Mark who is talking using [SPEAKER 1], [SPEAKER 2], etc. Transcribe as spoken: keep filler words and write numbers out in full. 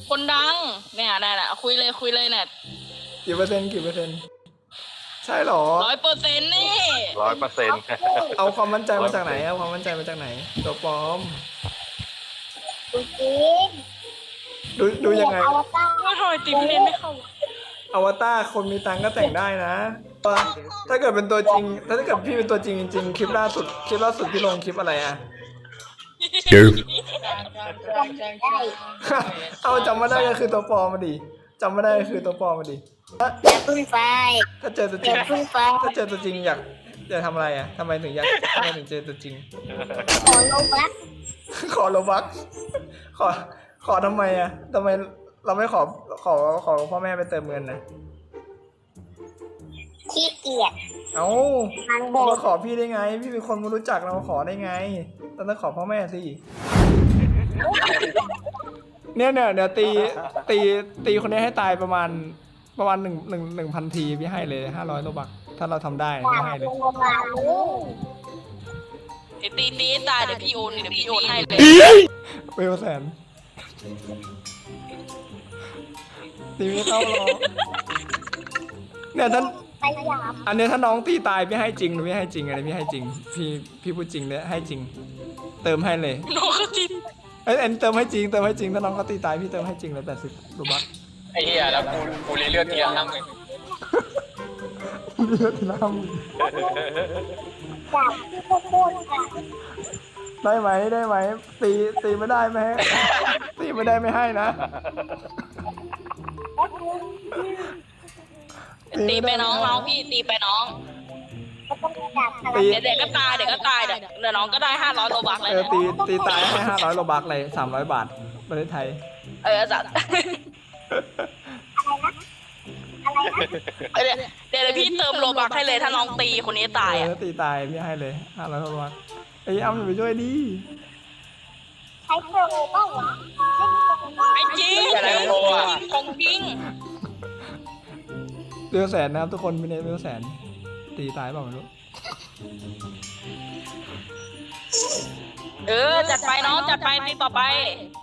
[SPEAKER 1] คนดังเนี่ยน่ะคุยเลยคุยเลยเนี่ย
[SPEAKER 2] กี่เปอร์เซ็นต์กี่เปอร์เซ็นต์ใช่หรอ
[SPEAKER 1] ร้อยเปอร์เซ็นต์นี่
[SPEAKER 3] ร้อยเปอร์เซ็นต์
[SPEAKER 2] เอาความมั่นใจมาจากไหนเอาความมั่นใจมาจากไหนตัวปลอม
[SPEAKER 4] จริง
[SPEAKER 2] ดูดูยังไง
[SPEAKER 4] อวตาร
[SPEAKER 1] ว่าทำไมตีพี่เนนไม่เข้า
[SPEAKER 2] อวตารคนมีตังค์ก็แต่งได้นะ ถ้าเกิดเป็นตัวจริง ถ้าเกิดพี่เป็นตัวจริงจริงๆคลิปล่าสุดคลิปล่าสุดพี่ลงคลิปอะไรอะ เอาจำไม่ได้ก็คือตัวปลอมมาดิจำไม่ได้ก็คือตัวปลอมมาดิ
[SPEAKER 4] อย่าพึ่งไฟ
[SPEAKER 2] ถ้าเจอตัวจ
[SPEAKER 4] อ
[SPEAKER 2] ริง
[SPEAKER 4] ย่าพึ่งไฟ
[SPEAKER 2] ถ้าเจอตัวจริงอยากอยากทำอะไรอะทำไมถึงอยากทำไมถึงเจอตัวจริง
[SPEAKER 4] ขอลงรัก
[SPEAKER 2] ขอโลบักขอขอทำไมอะทำไมเราไม่ขอขอขอพ่อแม่ไปเติมเงินนะ
[SPEAKER 4] ขี้เกียจ
[SPEAKER 2] เอ้า
[SPEAKER 4] มันโบ
[SPEAKER 2] เรามาขอพี่ได้ไง พี่เป็นคนไม่รู้จักเรามาขอได้ไงเราต้องขอพ่อแม่สิเนี่ยเนี่ยเดี๋ยวตีตีตีคนนี้ให้ตายประมาณประมาณหนึ่งหนึ่งหนึ่งพันทีพี่ให้เลยห้าร้อยโลบักถ้าเราทำได้พี่ให้เลย
[SPEAKER 4] ลงมาลูก
[SPEAKER 1] เดี๋ยวตีตีตายเดี๋ยวพี่โอนเดี๋ยวพี่โอนให้เลย
[SPEAKER 2] เวลแสนตีไม่เข้าหรอกเนี่ยท่าน
[SPEAKER 4] พยายาม
[SPEAKER 2] อันนี้ถ้าน้องตีตายพี่ให้จริงหรือไม่ให้จริงอันนี้พี่ให้จริง พี่พี่พูดจริงเลยให้จริง เติมให้เลย
[SPEAKER 1] น้องเขาจิน
[SPEAKER 2] เอ้ยอันนี้เติมให้จริงเติมให้จริงถ้าน้องเขาตีตายพี่เติมให้จริงเลยแปดสิบรูบัค
[SPEAKER 3] ไอ้เหี้ยแล้วกูกูเลือดเทียมน้ำหนึ่ง
[SPEAKER 2] เลือดน้
[SPEAKER 4] จากที่พวกพูดกัน
[SPEAKER 2] ำได้ไหมได้ไหมตีตีไม่ได้ไหมตีไม่ได้ไม่ให้นะ
[SPEAKER 1] ตีไปน้องน้องพี่ตีไปน้อง
[SPEAKER 4] ก็ต้องจากพลั
[SPEAKER 2] ตี
[SPEAKER 4] ง
[SPEAKER 1] เดี๋ยวเด็กก็ตายเดี๋ยวก็ตายเดี๋ยวเดี๋ยวน้องก็ได้ห้าร้อยโลบักเลย
[SPEAKER 2] เออตีตีตายให้ห้าร้อยโลบัคเลยสามร้อยบาทประเทศไทย
[SPEAKER 1] เออจัดเดี๋ยวเดี๋ยวพี่เติมโลบักให้เลยถ้าน้องตีคนนี้ตาย
[SPEAKER 2] เอ
[SPEAKER 1] อ่ะ
[SPEAKER 2] อตีตายพี่ให้เลยห้าร้อยโลบัคไอ้ยอ้ำไปช่วยดิ
[SPEAKER 4] ใช้โปรเปล่าวะ
[SPEAKER 1] ไม่จริงของจริง
[SPEAKER 2] เดือแสนนะครับทุกคนพี่เนทเดือแสนตีตายเปล่าไม่รู้
[SPEAKER 1] เออจัดไปน้องจัดไปตีต่อไป